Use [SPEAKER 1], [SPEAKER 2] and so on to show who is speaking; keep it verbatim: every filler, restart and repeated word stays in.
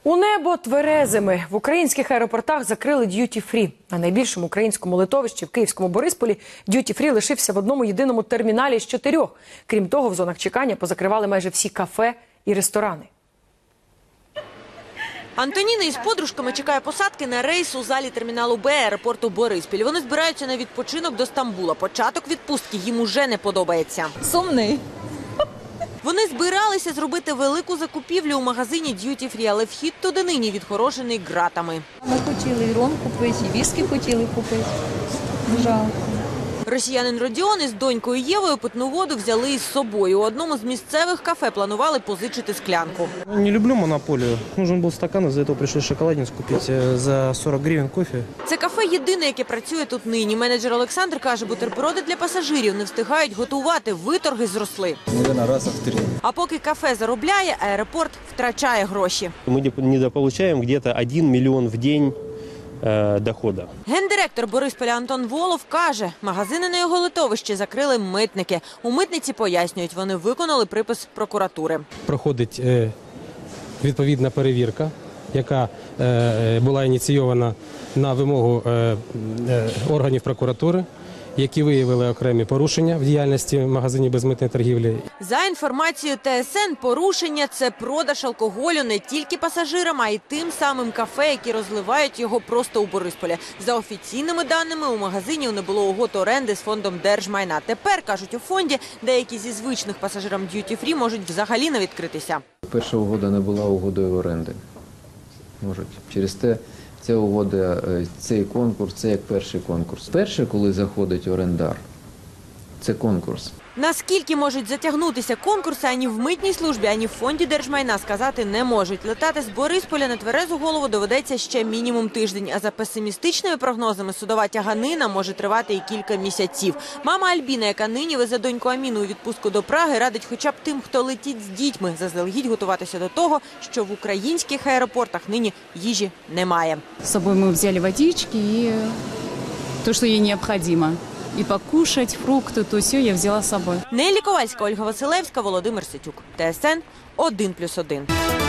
[SPEAKER 1] У небо тверезими. В українських аеропортах закрили д'юті-фрі. На найбільшому українському литовищі в київському Борисполі д'юті-фрі лишився в одному єдиному терміналі з чотирьох. Крім того, в зонах чекання позакривали майже всі кафе і ресторани.
[SPEAKER 2] Антоніна із подружками чекає посадки на рейс у залі терміналу Б аеропорту Бориспіль. Вони збираються на відпочинок до Стамбула. Початок відпустки їм уже не подобається.
[SPEAKER 3] Сумний.
[SPEAKER 2] Вони збиралися зробити велику закупівлю у магазині д'юті-фрі, але вхід туди нині відгорожений ґратами.
[SPEAKER 3] Ми хотіли ром купити, і віскі хотіли купити. Жалко.
[SPEAKER 2] Росіянин Родіон із донькою Євою питну воду взяли із собою. У одному з місцевих кафе планували позичити склянку.
[SPEAKER 4] Не люблю монополію. Нужен був стакан, з-за цього прийшли шоколадницю купити за сорок гривень кофе.
[SPEAKER 2] Це кафе єдине, яке працює тут нині. Менеджер Олександр каже, бутерброди для пасажирів не встигають готувати, виторги зросли. А поки кафе заробляє, аеропорт втрачає гроші.
[SPEAKER 5] Ми недополучаємо десь один мільйон в день доходу.
[SPEAKER 2] Гендиректор Борисполя Антон Волов каже, магазини на його литовищі закрили митники. У митниці пояснюють, вони виконали припис прокуратури.
[SPEAKER 6] Проходить відповідна перевірка, яка була ініційована на вимогу органів прокуратури, які виявили окремі порушення в діяльності магазинів безмитної торгівлі.
[SPEAKER 2] За інформацією Т С Н, порушення – це продаж алкоголю не тільки пасажирам, а й тим самим кафе, які розливають його просто у Борисполі. За офіційними даними, у магазинів не було угод оренди з фондом держмайна. Тепер, кажуть у фонді, деякі зі звичних пасажирам д'юті-фрі можуть взагалі не відкритися.
[SPEAKER 7] Перша угода не була угодою оренди. Можуть. Через те ця угода, цей конкурс, це як перший конкурс. Перше, коли заходить орендар, це конкурс.
[SPEAKER 2] Наскільки можуть затягнутися конкурси, ані в митній службі, ані в фонді держмайна сказати не можуть. Летати з Борисполя на тверезу голову доведеться ще мінімум тиждень. А за песимістичними прогнозами, судова тяганина може тривати і кілька місяців. Мама Альбіна, яка нині везе доньку Аміну у відпустку до Праги, радить хоча б тим, хто летить з дітьми, заздалегідь готуватися до того, що в українських аеропортах нині їжі немає.
[SPEAKER 8] З собою ми взяли водички і те, що їй необхідно. І покушать, фрукти, то все я взяла з собою.
[SPEAKER 2] Неллі Ковальська, Ольга Василевська, Володимир Ситюк. Т С Н один плюс один.